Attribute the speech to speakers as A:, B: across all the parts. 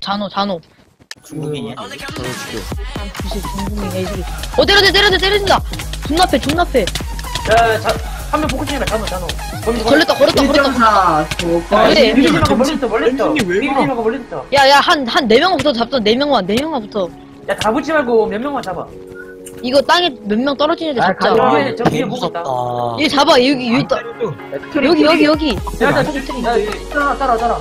A: 잔호.
B: 중국인이야?
A: 무슨 중국인 애들이. 때려진다. 존나 패.
C: 한명 포커싱이라 잔호.
A: 걸렸다.
D: 1.4
A: 그래.
C: 미리지마가 멀리있어.
B: 왼손이 왜
C: 미리지마가 멀리있어.
A: 야, 한 4명부터 잡자. 4명만 부터.
C: 야, 다 붙지 말고 몇 명만 잡아.
A: 이거 땅에 몇 명 떨어지는 애 잡자.
C: 가자. 저
B: 개
C: 위에 보고 있다.
B: 무섭다.
A: 얘 잡아. 여기 있다. 여기.
C: 야, 따라.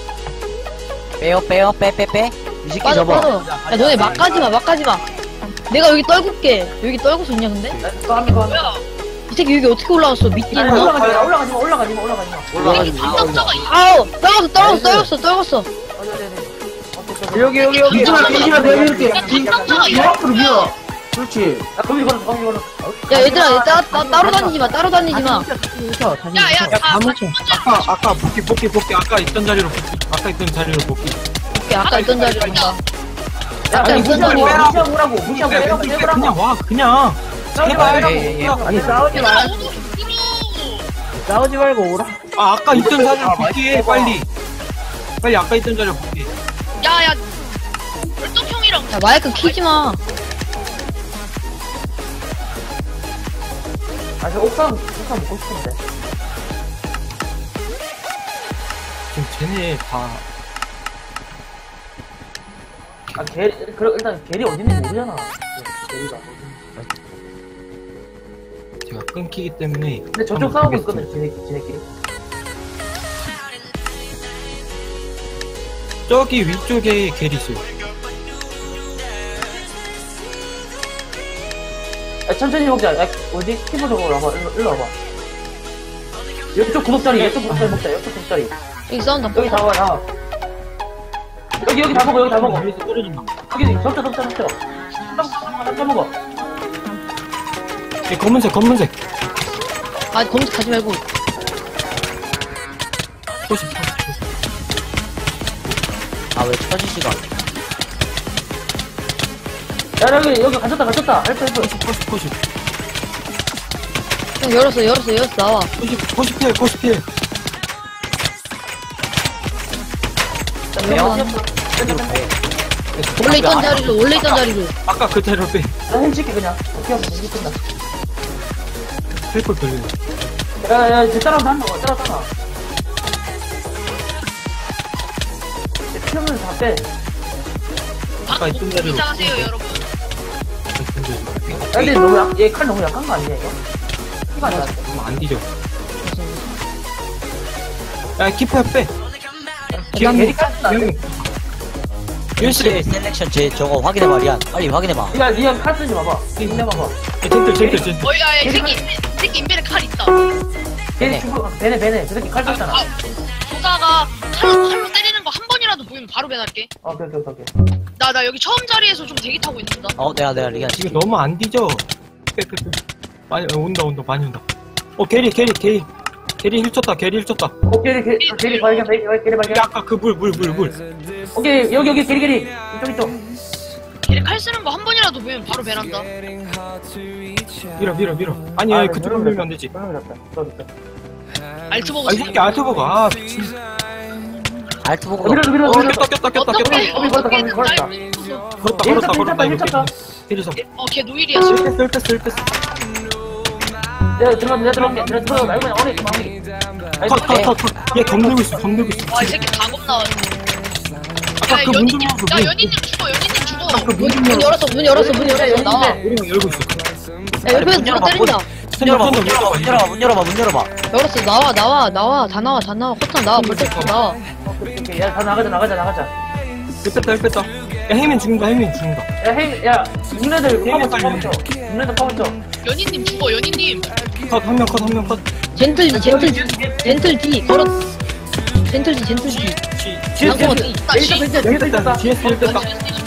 B: 빼요, 빼. 이 새끼
A: 빠져.
B: 접어.
A: 야, 너네 막 가지 마. 내가 여기 떨굴게. 여기 떨굴 수 있냐, 근데?
C: 또한 명.
A: 이 새끼 여기 어떻게 올라왔어? 미끼 있나?
C: 올라가지 마.
A: 아우! 떨궜어.
D: 여기 비지마 내가 이렇게 앞으로 밀어. 그렇지.
C: 야, 거기 걸었어.
A: 야, 얘들아, 따로 다니지 마.
E: 야야 아까 복귀 아까 있던 자리로 복귀
A: 오케이, 아까 있던 자리로 온다.
C: 야, 무시하고
E: 그냥 와 그냥
D: 아니 싸우지 말고 오라.
E: 아까 있던 자리로 복귀해 빨리 아까 있던 자리로 복귀해.
F: 야야 월동형이랑
A: 야, 마이크 키지 마.
C: 저 옥상 먹고 싶은데.
E: 지금 쟤네 다
C: 일단 게리 어디 있는지 모르잖아. 게리가.
E: 제가 끊기기 때문에.
C: 근데 저쪽 싸우고 있거든, 지네끼리.
E: 저기 위쪽에 게리 있어요.
C: 야, 천천히 먹자. 야, 어디? 키보드로 와봐. 일로 와봐. 이쪽 구석자리 먹자. 이쪽 구석자리.
A: 여기 싸운다.
C: 여기 다 와. 여기 다 먹어.
E: 여기서 떨어진다.
C: 여기 덮쳐. 다 먹어.
E: 검은색.
A: 아, 검색 가지 말고.
E: 포시.
B: 아, 왜 터지지가 않아?
C: 야, 여기 갇혔다. 헬프.
E: 포시.
A: 형, 열었어, 나와.
E: 포시 피해.
A: 원래 있던 자리로.
E: 아까 그 자리로 빼.
C: 나 힐칠게, 그냥. 어떻게 하면 이게 끝나.
E: 헬콜 돌리네.
C: 야, 쟤 따라서 한 거, 따라서. 피하면 다 빼.
E: 아까 있던 자리로.
F: 이상하세요 여러분.
C: 야, 근데 얘 칼 너무 약한 거 아니냐, 이거? 피가 안 나는데.
E: 너무 안 뒤져. 야, 키퍼야 빼.
C: 게리 칼은 안 돼.
B: 유씨 셀렉션 제 저거 확인해봐, 리안. 빨리 확인해봐.
C: 니가 칼 쓰지 마봐. 힘내봐봐.
E: 젠틀.
F: 어야 이 새끼 인벤에 칼 있다.
C: 걔네 죽어. 배네. 저 새끼 칼 썼잖아.
F: 조사가 칼로 때리는 거 한 번이라도 보이면 바로 배달게.
C: 오케이.
F: 나 여기 처음 자리에서 좀 대기 타고 있는다.
B: 내가 리안.
E: 지금 너무 안 뒤져. 빼. 많이 온다. 많이 온다. 게리 힐 쳤다.
C: 게리 발견.
E: 아까 그 물.
C: 오케이, 여기 게리. 이쪽.
F: 걔네 칼 쓰는 거 한 번이라도 보이면 바로 배란다.
E: 밀어. 아니, 그쪽으로 밀면 안 되지.
F: 알트 보고
E: 이 새끼 알트버가.
B: 알트 보고.
C: 밀어.
E: 꼈다.
C: 걸었다.
E: 힐 잡.
F: 걔 노일이야.
E: 뺐어.
C: 내가 들어갈게. 들어가 말고 그냥 어리 마무리.
E: 컷. 얘 검들고 있어.
F: 와 이 새끼 다 겁나.
E: 아까 그문 좀 열어줘.
F: 야 연인님 죽어.
A: 문 열었어. 나와.
E: 우리가 열고 있어.
A: 야, 옆에서 누가 때린다.
B: 문 열어봐.
A: 열었어. 나와. 다 나와. 커튼 나와. 벌써 나와.
C: 오케이. 야, 다 나가자.
E: 뺐다. 야, 헤이맨 죽는다.
C: 야, 눈네들 파묻혀.
F: 연인님 죽어. 연인님.
E: 컷, 한 명 컷.
A: 젠틀 D. 걸어. 젠틀 D.
C: 뒤에
A: D.
C: 있다.
E: GS 힐 뺐다.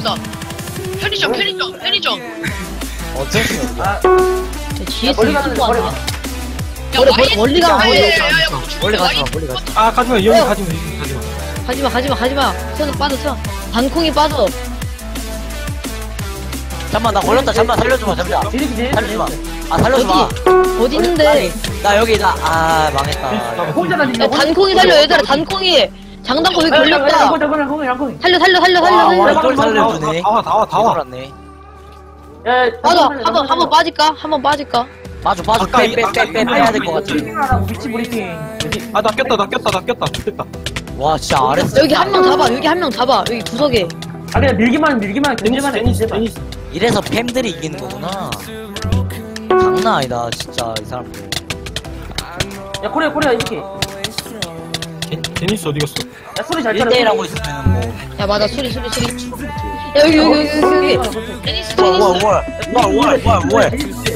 F: 편의점.
B: 어쩔 수 없어.
A: GS
C: 멀리 가는
A: 유튜브
C: 거
A: 아니야?
F: 야
A: 멀리 가면
B: 멀리 가지 마.
E: 가지마. 여기 가지마.
A: 가지마. 천 빠져. 단콩이 빠져.
B: 잠만, 나 걸렸다. 잠만, 살려줘봐. 살려줘봐. 살려줘봐.
A: 어디 있는데?
B: 나 여기, 망했다.
C: 혼자 다니는
A: 야, 단콩이 살려, 얘들아. 단콩이 장단고 여기 걸렸다.
C: 양콩이.
A: 살려.
B: 와,
C: 살려.
B: 또 살려주네.
E: 다 와.
B: 돌았네.
C: 야,
A: 맞아. 한번 빠질까? 한번 빠질까?
B: 빠져.
E: 아까
B: 빼야 될 것 같아.
C: 하라고 위치 브리핑. 뭐지?
E: 나 꼈다. 됐다.
B: 와, 진짜 아랬어.
A: 여기 한 명 잡아. 여기 구석에.
C: 아 그냥 밀기만 견제만 해.
E: 데니스.
B: 이래서 팸들이 이기는 거구나. 장난 아니다, 진짜, 이 사람들.
C: 야 코리아 이렇게.
E: 데니스 어디 갔어?
C: 야 소리 잘 따라.
B: 1대1 하고 있으면 뭐.
A: 야 맞아 소리. 야 여기.
F: 테니스
B: 월.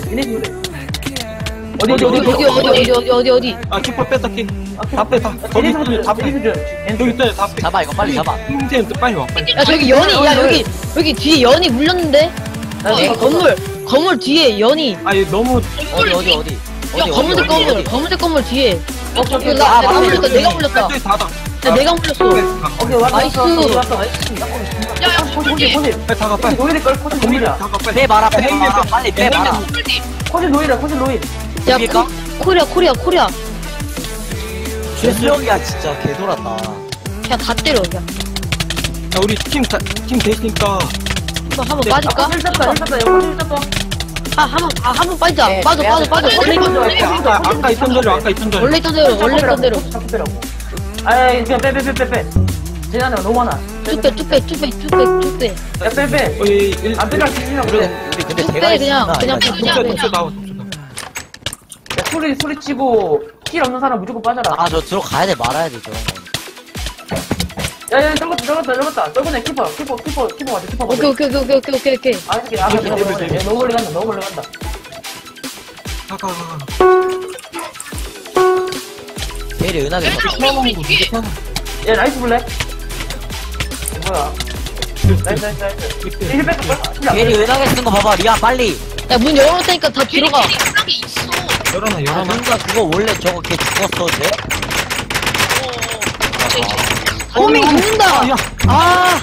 A: 어디.
E: 아, 키퍼 뺐다, 키. 다 빼. 여기 있다, 다 빼.
B: 잡아, 이거 빨리 잡아.
E: 형제는 빨리 와, 빨리.
A: 야 저기 연이. 야 여기 뒤에 연이 물렸는데. 건물 뒤에 연이.
E: 아니, 너무.
B: 어디.
A: 검은색 건물 뒤에.
C: 오케이.
A: 내가 물렸다.
E: 저기 닫아.
A: 야 내가 물렸어.
C: 오케이 왔어.
A: 나이스.
F: 야야
C: 코지.
E: 빨리 닫아, 빨리.
C: 노일일 걸 코지 노일이야.
E: 닫아, 빨리.
B: 빼봐라. 빨리 빼봐라.
F: 홀디
C: 코지 노일.
A: 야
B: 이길까?
A: 코리아.
B: 최수영이야, 진짜. 개돌았다.
A: 그냥 다 때려 그냥.
E: 야, 우리 팀 되시니까.
A: 한번 빠질까?
C: 힐 땄다.
A: 한번 빠지자. 빠져.
E: 아까 있던 대로.
A: 원래 있던 대로.
C: 아이 그냥 빼. 쟤네는 너무 많아.
A: 쭉 빼.
C: 야 빼. 안 빼라 지진이라고
B: 우리
C: 그래.
B: 근데
A: 쭉
B: 대가
A: 빼,
B: 있으나.
A: 그냥
E: 독서 나와.
C: 야 소리 치고 힐 없는 사람 무조건 빠져라.
B: 아, 저 들어가야 돼, 말아야 돼, 저.
C: 야야 떨궜다. 떨궜네 키퍼 맞아 키퍼.
A: 오케이.
C: 아 이렇게 너무 멀리 간다.
E: 가.
B: 대리 은하게.
F: 얘들아 우리 뒤에
C: 야 나이스 블랙. 뭐야? 나이스. 힐 뺄까?
B: 대리 은하게 쓰는 거 봐봐, 리아, 빨리.
A: 야 문 열어놓을 테니까 다 들어가.
F: 이상하게 있어
E: 열어놔.
B: 아, 뭔가 그거 원래 저거 걔 죽었어, 쟤?
A: 호밍 죽는다.
E: 야,
A: 아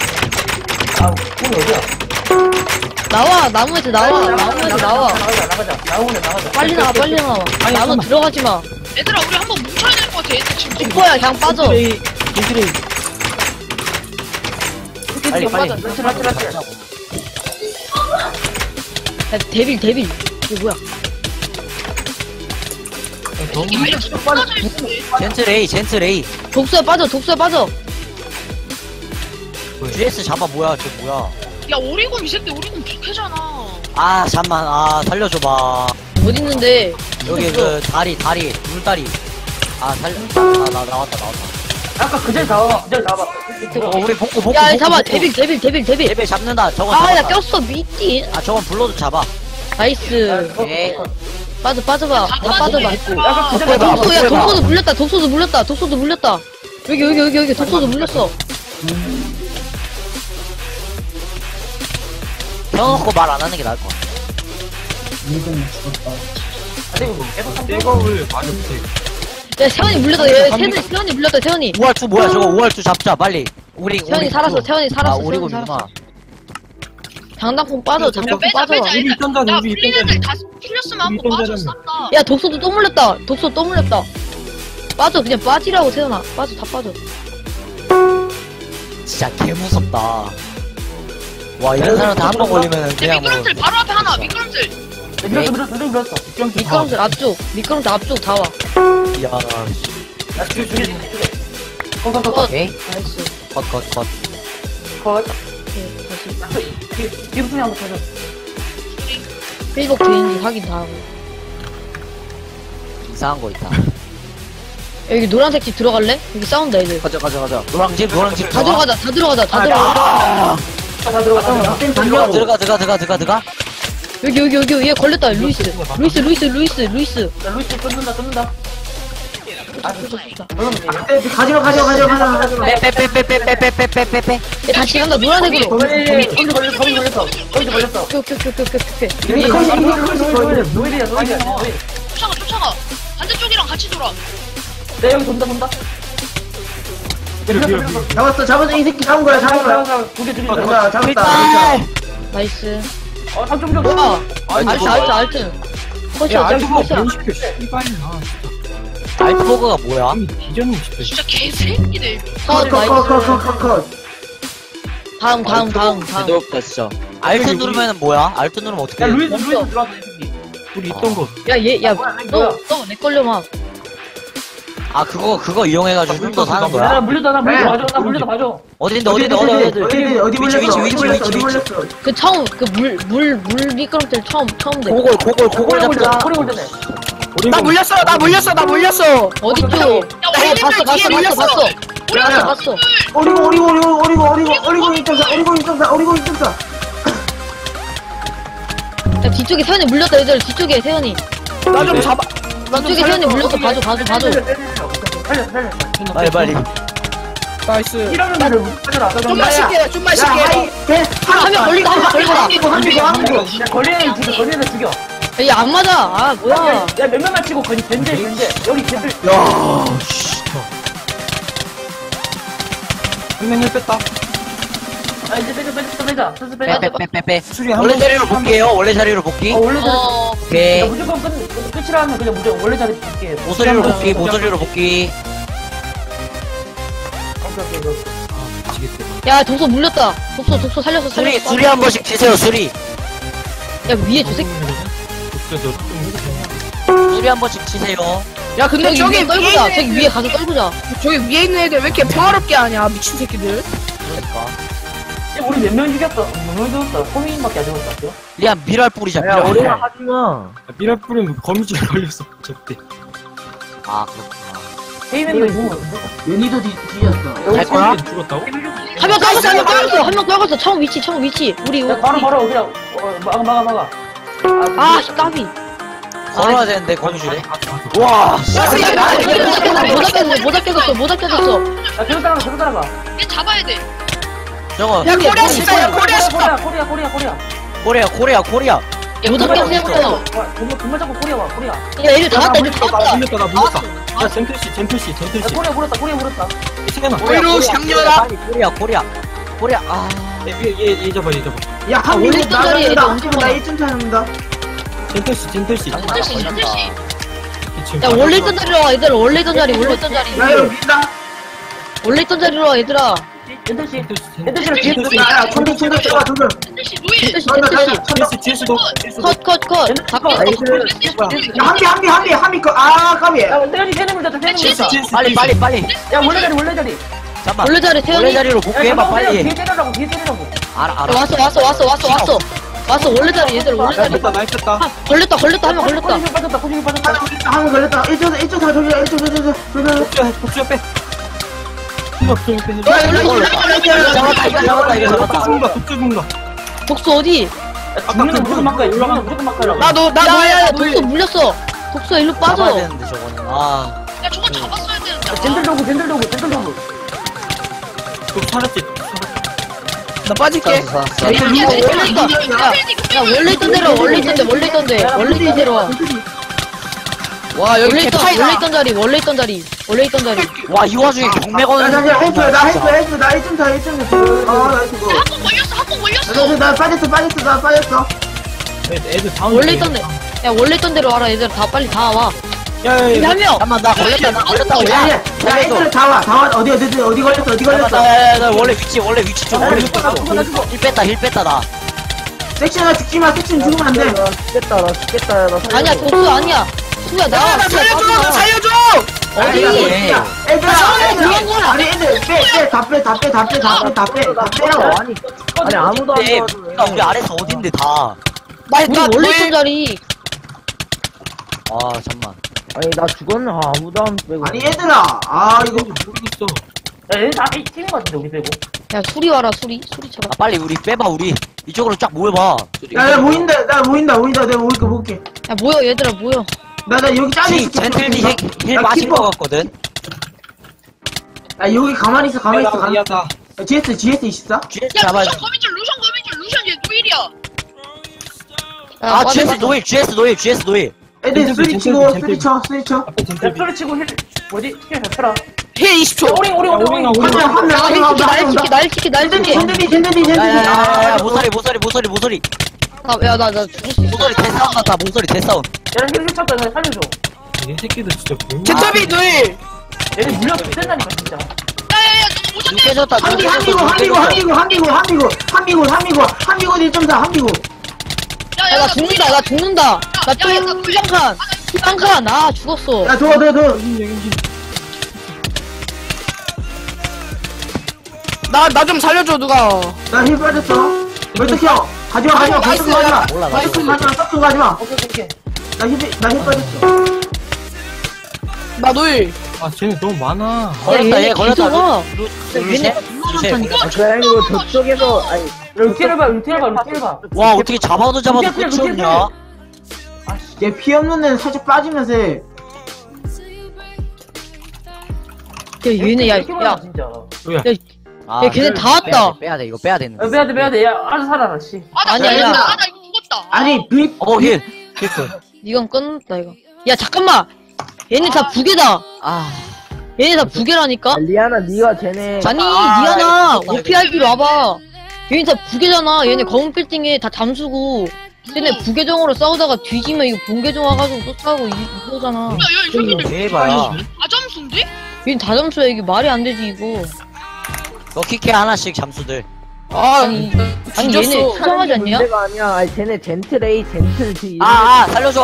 C: 공 어디야?
A: 나와 나무에서 나와.
C: 나가자.
A: 빨리 나와. 나무 들어가지 마.
F: 얘들아 우리 한번 뭉쳐야 될 것 같아 얘들 지금
A: 기뻐야 그냥 빠져.
E: 겐트레이.
B: 빨리.
C: 라치.
A: 야 데빌. 이게 뭐야?
E: 너무.
F: 이게 아예 좀 빠져 있어
B: 젠트 레이.
A: 독수에 빠져.
B: GS 잡아, 뭐야, 저 뭐야.
F: 야 오리곤 이 새끼 오리곤 부캐잖아
B: 아, 잠만, 살려줘봐.
A: 어딨는데?
B: 여기 그 다리, 물다리. 나 나왔다.
C: 아까 그 자리 나와.
B: 우리 복구.
A: 야 잡아. 데빌.
B: 레벨 잡는다. 저건
A: 아 나
B: 잡았다.
A: 꼈어 미친.
B: 아, 저건 불러도 잡아.
A: 나이스.
B: 오케이.
A: 빠져봐. 다 빠져봐.
C: 아까 그 자리 나와.
A: 야 독소도 물렸다. 여기 독소도 물렸어.
B: 세워놓고 말 안 하는 게 나을 것 같아.
E: 백업을 많이 못해.
A: 야 세원이 물렸다. 세원이 물렸다. 세원이
B: 5할2 뭐야, 저거 5할2 잡자, 빨리.
A: 세원이 살았어. 세원이 살았어.
B: 우리
A: 세원이
B: 곰이구나.
A: 살았어. 장단콩 빠져. 장단콩 빠져.
E: 우리 있던 자리,
F: 야
E: 우리
F: 풀린
E: 있던
F: 애들
E: 자리.
F: 다 풀렸으면 한번
E: 있던
F: 빠져
E: 자리.
F: 쌌다
A: 야 독소도 또 물렸다. 빠져. 그냥 빠지라고 세원아. 빠져. 다 빠져.
B: 진짜 개무섭다. 와, 이런 사람한테 한 번 걸리면
F: 야
B: 그냥 뭐.
F: 미끄럼틀 바로 앞에 하나 미끄럼틀
C: 밀었어.
A: 미끄럼틀 앞쪽 다 와.
B: 야,
C: 야 죽여.
B: 오케이.
A: 나이스.
B: 컷.
C: 컷.
A: 오케이 다시.
C: 기부순이 한번 쳐줘.
A: 페이북 되는지 확인 다 하고.
B: 이상한 거 있다.
A: 여기 노란색 집 들어갈래? 여기 싸운다 애들.
B: 가자. 노랑집.
A: 다 들어가자. 다 들어가.
C: 다 들어가.
B: 들어가.
A: 여기 얘 걸렸다. 루이스.
C: 야 루이스 끊는다.
A: 좋다.
D: 가지마.
B: 빼.
A: 얘 다시 간다. 노란색으로.
C: 거기 걸렸어.
A: 오케이.
C: 노일이야.
F: 쫓아가 반대쪽이랑 같이 돌아
C: 내 여기 돈다.
D: 잡았어. 이 새끼 잡은 거야.
C: 두개
D: 잡았다.
A: 나이스.
C: 삼점
A: 뭐야? 알트. 컷이야.
E: 야, 알트가
A: 컷이야.
E: 변시켜, 씨발이야.
B: 알트버그가 뭐야?
E: 뒤졌네 싶어.
F: 진짜 개새끼들.
D: 컷.
A: 다음.
B: 부드럽다 진짜. 알트 누르면은 뭐야? 알트 누르면 어떻게
C: 야
B: 돼?
C: 루이스 들어왔어 이 새끼.
E: 우리 있던 거.
A: 야너내 걸려 막.
B: 아 그거 이용해가지고 좀 더 사는
C: 야, 나
B: 거야?
C: 물렸다 나 물렸다 봐줘 나 물렸다 봐줘.
B: 어딘데
D: 어디
B: 위치
D: 물렸어?
A: 그 처음 그 물 미끄럼틀 처음 돼.
B: 고골 잡자.
C: 코리 골드네.
E: 나 물렸어.
A: 어디 쪽?
F: 야,
A: 봤어. 봤어.
D: 오리고 2.4.
A: 야 뒤쪽에 세연이 물렸다 얘들 뒤쪽에 세연이.
E: 나 좀 잡아.
A: 뒤쪽에 세연이 물렸어 봐줘.
C: 살려.
B: 빨리.
E: 나이스.
C: 이러면 나를 살려라.
E: 좀만 쉴게.
A: 한명 걸린다.
C: 야 걸리는 죽여.
A: 야 안 맞아. 아 뭐야.
C: 야 몇 명만 치고 거기 벤데 여기 벤들.
E: 야, 씨. 한명 뺐다.
C: 아 이제 빼자. 슬슬 빼자.
B: 빼.
E: 수리 한
B: 원래
E: 번.
B: 자리로 복귀해요. 원래 자리로 복귀.
C: 원래 자리.
B: 오케이.
C: 야 무조건 끝이라 하면 그냥 무조건 원래 자리 줄게.
B: 모서리로 복귀.
A: 야 독소 물렸다. 독소 살렸어.
B: 수리 한 번씩 치세요. 수리.
A: 야 위에 저 새끼.
B: 수리 한 번씩 치세요.
G: 야 근데
A: 저기 위에
G: 저기
A: 떨구자.
G: 위에
A: 저기 위에 가서 떨구자.
G: 저기 위에 있는 애들 왜 이렇게 평화롭게 하냐 미친 새끼들.
B: 그러니까.
C: 야 우리 몇 명 죽였어? 몇 명 죽였어? 호민밖에 안 죽었어.
B: 리안 미랄 뿌리자.
D: 야,
B: 미랄.
D: 우리가 하지마.
E: 미랄 뿌리면 거미줄에 걸렸어. 저때.
B: 아 그렇구나.
C: 헤이맨도 있고.
D: 연희도 뒤졌어.
B: 갈 거야?
E: 죽었다고?
A: 한 명 떨궜어. 처음 위치. 우리
C: 야 바로 그냥 막아.
A: 아 까비.
B: 걸어야 되는데 거미줄에. 와.
A: 모자 깨졌어.
C: 야 계속 따라가.
F: 얘 잡아야 돼.
B: 저거
G: 야 코리아 십사야 코리아 십사.
C: 코리아.
A: 야 모자 깨졌어.
C: 정말 자꾸 코리아.
A: 야 얘들 다 왔다.
E: 나 물렸다. 야 젠틀씨.
C: 코리아 물었다.
E: 세연아.
G: 오이로 장렬아.
B: 코리아. 아.
E: 얘 잡아.
D: 야, 한
A: 원래
D: 명이
A: 있던 자리에 애들 엄청
D: 나
A: 많아.
D: 1점 차입니다.
E: 젠틀씨.
F: 젠틀씨.
A: 야 원래 있던 자리로 와 얘들. 원래 있던 자리.
D: 야, 이거 민다.
A: 원래 있던 자리로 와 얘들아.
C: 엔터씨.
D: 야, 천둥 잡아, 천둥.
F: 젠틀씨 루이.
A: 젠틀씨.
E: GS도.
A: 컷. 다 깼어.
D: 야, 한 미, 까비.
C: 야 세연이 세는 물렸다.
B: 빨리.
C: 야 원래 자리.
B: 잠깐만.
A: 원래 자리
B: 원래
A: 세연이.
B: 자리로 복귀해봐 빨리.
C: 뒤에 때리라고.
B: 알아.
A: 왔어. 원래 자리 얘들 원래 자리.
E: 날 뺐다.
A: 걸렸다. 한 명 걸렸다.
C: 포지션 빠졌다.
D: 한번 걸렸다. 1.4 저기야, 1.4.
E: 복수야 빼. 복수 빼.
B: 이거 잡았다.
E: 복수 죽는다.
A: 독소 어디?
C: 죽는 무조건 막아야. 무조건 막아라고.
A: 야야 독소 물렸어. 독소 일로
B: 잡아야
A: 빠져.
B: 되는데 저거는. 아.
F: 야 저거 잡았어야 되는데.
C: 젠들 도구.
E: 또 살았지.
G: 나 빠질게.
A: 야 원래 있던 대로 원래 있던 대로 와.
G: 와 여기 개파이다.
A: 원래 있던 자리.
B: 와 이 와중에 경매건을.
D: 나 1.4. 나 1.4. 아, 나 이거.
F: 한번 걸렸어.
D: 나 빠졌어.
E: 애들 다운.
A: 원래 있던 대로 와라 얘들 다 빨리 다 와.
E: 야야야.
A: 한 명.
B: 잠깐만 나 걸렸다고.
D: 야, 애들 다 와. 어디 걸렸어?
B: 나 원래 위치 좀 원래 위치 힐 뺐다 나.
D: 섹션아 죽지 마. 섹션 죽으면 안 돼.
A: 아니야 독소 아니야. 수야 나와.
G: 나 살려줘.
A: 어디?
D: 애들아. 아니, 애들 다 빼라고. 아니, 아무도
B: 근데 우리가 우리 아래서 어딘데 다.
A: 우리 원래 있던 자리.
B: 아 잠만.
D: 아니, 얘들아. 아, 이거.
E: 모르겠어.
C: 야 얘는 다 팀인 것 같은데 우리 빼고.
A: 야 수리 와라 수리 쳐라.
B: 아 빨리 우리 빼봐 우리 이쪽으로 쫙 모여봐.
D: 야, 나 보인다. 내가 볼게.
A: 야 모여 얘들아 모여.
D: 나 여기 짜져 있을게.
B: 젠틀리 힐
D: 나
B: 빠진
D: 키퍼.
B: 거 같거든.
D: 야, 여기 가만히 있어.
E: 미안하다.
D: GS 24?
B: GS
F: 야
B: 잡아야 돼.
F: 루션 얘 노일이야.
B: 아 GS 노일.
D: 애들 수리 치고, 수리 쳐.
E: 앞에 젠틀.
C: 랩소리 치고 힐 뭐지? 스킬 잡혀라.
G: 힐 20초.
C: 오링.
D: 한 명.
A: 날 지키.
D: 젠들이.
B: 야야야야 모서리.
A: 야나 죽을 수 있어.
B: 모서리 대싸움 났다. 모서리 대싸움.
C: 야힐 쳤다. 나 살려줘.
E: 얘 새끼들 진짜 명.
G: 개탑이 둘.
C: 얘네 물량 된다니까 진짜.
F: 야야야
B: 눈
F: 오졌네.
B: 깨졌다. 눈
D: 한비고
B: 깨졌어.
D: 한비고 한비고 한비고 한비고 한비고 한비고 한비고 1.4 한비고.
A: 야, 나 죽는다, 나 죽는다. 나 또, 한 칸. 아, 죽었어.
D: 야 더.
G: 나 좀 살려줘, 누가.
D: 나 힐 빠졌어. 벌떡 형. 가지마 벌떡
G: 나이스.
D: 가지마.
B: 몰라,
D: 벌떡
B: 나도.
D: 가지마 썩도 가지마.
C: 오케이.
D: 나힐 빠졌어.
G: 나 둘.
E: 아 쟤네 너무 많아.
B: 걸렸다, 얘
A: 얘네
B: 걸렸다.
A: 기도가
B: 루시에?
A: 물러나니까.
D: 저쪽에서 아니
C: 루티를 봐.
B: 와, 어떻게 잡아도
C: 루시에
B: 끝이 없냐?
D: 얘 피 없는 애는 살짝 빠지면서 해.
A: 야, 얘네, 야,
C: 진짜.
B: 아,
A: 야, 걔네 다 왔다.
B: 빼야 돼, 이거 빼야 되는 거.
C: 빼야 돼. 야, 알아서 살아라, 씨.
F: 아나
A: 아니야,
F: 이거
A: 아니야.
F: 나 이거 죽었다.
D: 아니 V
B: 힐.
A: 이건 끝났다, 이거. 야, 잠깐만. 얘네 다 부계다.
B: 아,
A: 얘네 다 부계라니까?
D: 리아나 니가 쟤네
A: 아니, 니아나, OPRP로 와봐. 얘네 다 부계잖아. 얘네 검은 빌딩에 다 잠수고. 얘네 부계정으로 싸우다가 뒤지면 이거 본계정 와가지고 또 싸우고 이거잖아.
F: 야야 이 새끼들
B: 대박이야.
F: 아잠수인데?
A: 얘네 다 잠수야. 이게 말이 안 되지, 이거.
B: 너 키케 하나씩 잠수들.
A: 아니, 아니, 얘네 수상하지 않냐?
D: 문제가 아니야. 아니 쟤네 젠틀 A 젠틀 D.
B: 살려줘.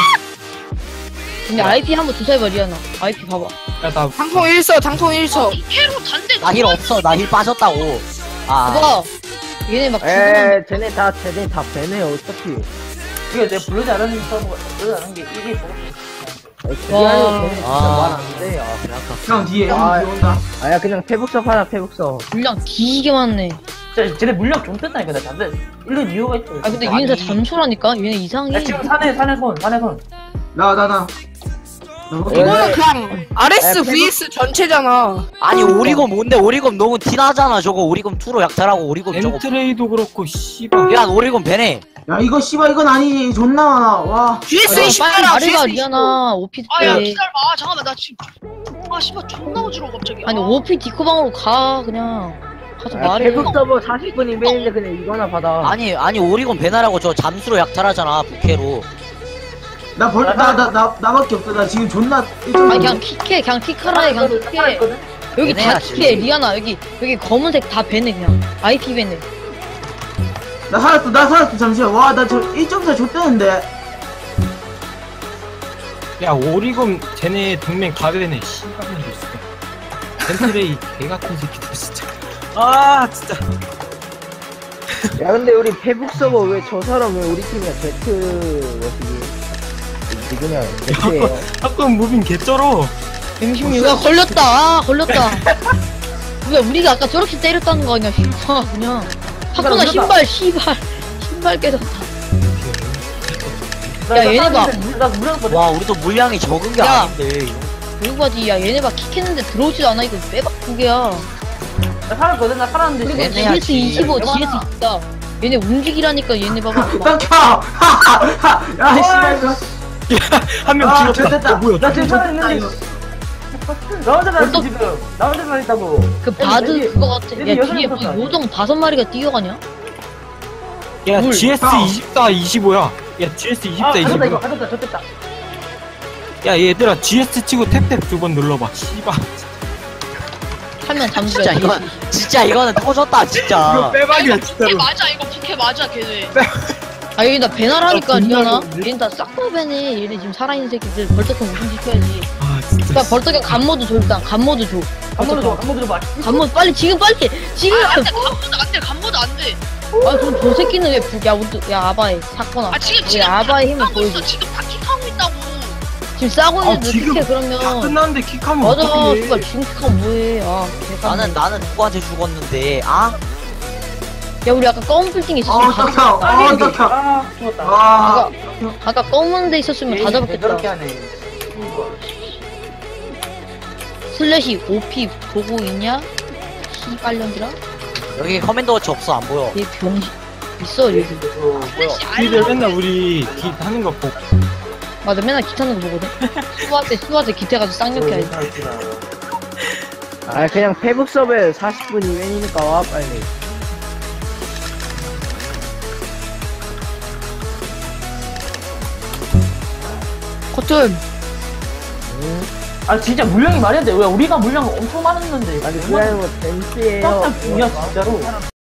A: 근데 IP 한번 조사해봐, 리아나. IP 봐봐.
E: 야나
G: 당통 1서, 당통 1서.
F: 캐로 단대.
B: 나 힐 없어. 나 힐 빠졌다고.
A: 봐봐. 얘네 막 죽으면.
D: 에 쟤네 다 배네 어차피.
C: 이게 내가 부르지 않은 서버가, 부르지 않은 게 이게
A: 와.
D: 말안돼. 형 뒤에 형 뒤에 온다. 아야 그냥 페북섭 하라 페북섭.
A: 물량 뒤지게 많네.
C: 진짜 쟤네 물량 좀 뜬다니까, 나 잠들. 이런 이유가 있어.
A: 아, 근데 얘네 다 잠수라니까? 얘네 이상해.
C: 야, 지금 산에 손.
D: 나.
G: 이거는 그냥 RS vs 전체잖아.
B: 아니, 오리검 뭔데? 오리검 너무 티나잖아. 저거 오리검 2로 약탈하고 오리검 저거.
E: 엠트레이도 그렇고 씨발.
B: 야, 오리검 배네.
D: 야 이거 씨발 이건 아니지. 존나 많아. 와.
G: GS
A: 빨리
G: 20 봐라,
A: 말해봐,
G: GS 20.
A: 리아나. OP
F: 아야
A: 때.
F: 기다려봐. 잠깐만 나 지금. 아 씨발 존나 어지러워 갑자기.
A: 아니, OP 디코방으로 가, 그냥. 가서 말해.
D: 페북서버 40분 이메일인데 그냥 이거나 받아.
B: 아니, 오리검 배나라고 저 잠수로 약탈하잖아. 부캐로.
D: 나밖에 없어. 나 지금 존나
A: 아니, 그냥 킥해. 그냥 킥하라 해. 그냥 킥해. 여기 다
B: 얘네야,
A: 킥해.
B: 지금.
A: 리아나, 여기 검은색 다 배네, 그냥. IP 배네.
D: 나 살았어. 잠시만. 와 나 저 1.4 줬대는데.
E: 야 오리검 쟤네 동맹 가베네 씨발년들 진짜. 엠트레이 개같은 새끼들 진짜. 아 진짜.
D: 야 근데 우리 페북서버 왜 저 사람 왜 우리 팀이야? 제트 뭐지? 그냥 제트예요.
E: 자꾸 무빙 개쩔어.
A: M16. 야, 걸렸다. 아, 걸렸다. 왜 우리가 아까 저렇게 때렸다는 거 아니야, 휘파, 그냥. 하코나 신발 깨졌다. 야, 얘네 봐.
C: 나 물량 받아.
B: 와, 우리도 물량이 적은 게
A: 야.
B: 아닌데.
A: 그리고 바지, 야, 얘네 봐. 킥했는데 들어오지도 않아. 이거 빼박 두 개야.
C: 나 살았거든, 나 살았는데.
A: 그리고
B: 얘네야,
A: GS 25,
C: 얘네야.
A: GS 24. 얘네 움직이라니까 얘네 봐봐.
D: 깜켜! 야 씨발 이거.
E: 한 명
D: 아,
E: 죽였다.
D: 됐다.
E: 뭐야?
C: 나 지금 살아있는데. 나 혼자 살았어,
A: 벌떡-
C: 지금. 나 혼자 살아있다고.
A: 그 바드
C: 얘네
A: 그거 같아.
C: 얘네
A: 야,
C: 여섯
A: 뒤에
C: 명
A: 뭐
C: 탔다.
A: 요정 5마리가 뛰어가냐?
E: 야
A: 물.
E: GS
D: 형.
E: 24 25야. 야 GS 24
C: 아, 가졌다, 이거
E: 25.
C: 가졌다, 좋겠다.
E: 야 얘들아 GS 치고 탭탭 2번 눌러봐. 씨발.
A: 하면 잠수야.
B: 진짜 이거는 터졌다, 진짜.
E: 빼박이야
F: 걔 맞아 이거 부캐 맞아 걔네.
A: 아, 여기 나 배나라니까,
E: 아,
A: 리아나.
E: 분노하겠네.
A: 얘네 다 싹 다 배네. 얘네 지금 살아있는 새끼들. 벌떡형 우승시켜야지.
E: 아 진짜.
A: 야, 벌떡형 간모드 줘, 일단. 간모드 줘.
C: 한번 들어봐.
A: 간모드 빨리, 지금 빨리! 지금!
F: 안돼 간보다 안돼.
A: 아, 그럼 저 새끼는 왜, 야, 아바에, 사거나.
F: 아 지금
A: 우리 아바의 힘을
F: 하고
A: 보여줘.
F: 있어. 지금 다 킥하고 있다고.
A: 지금 싸고
E: 아,
A: 있는데
E: 지금
A: 어떻게 그러면.
E: 다 끝났는데 킥하면
A: 맞아,
E: 어떡해.
A: 씨발, 지금 킥하면 뭐해. 아, 개간.
B: 나는 누구한테 죽었는데, 아?
A: 야, 우리 아까 검은 빌딩 있었으면 다
D: 어떡해.
A: 잡았겠다.
C: 아, 죽었다.
D: 와.
A: 아까 검은 데 있었으면 다 잡았겠다.
C: 그렇게 하네.
A: 슬래시 OP 보고 있냐? 시발년들아?
B: 여기 커맨더 워치 없어, 안 보여.
A: 얘 병신 있어 여기.
F: 플래시
E: 니들
F: 알람.
E: 맨날 우리 기 하는 거 보고.
A: 맞아, 맨날 기타는 거 보거든. 수화제 기타 가지고 쌍욕해야지.
D: 아 그냥 페북섭에 40분 이벤이니까 와 빨리.
G: 커튼.
C: 아 진짜 물량이 말이 안 돼. 왜 우리가 물량 엄청 많았는데.
D: 아니 그게 아니고 댄스예요.
C: 깜짝 중이야 진짜로.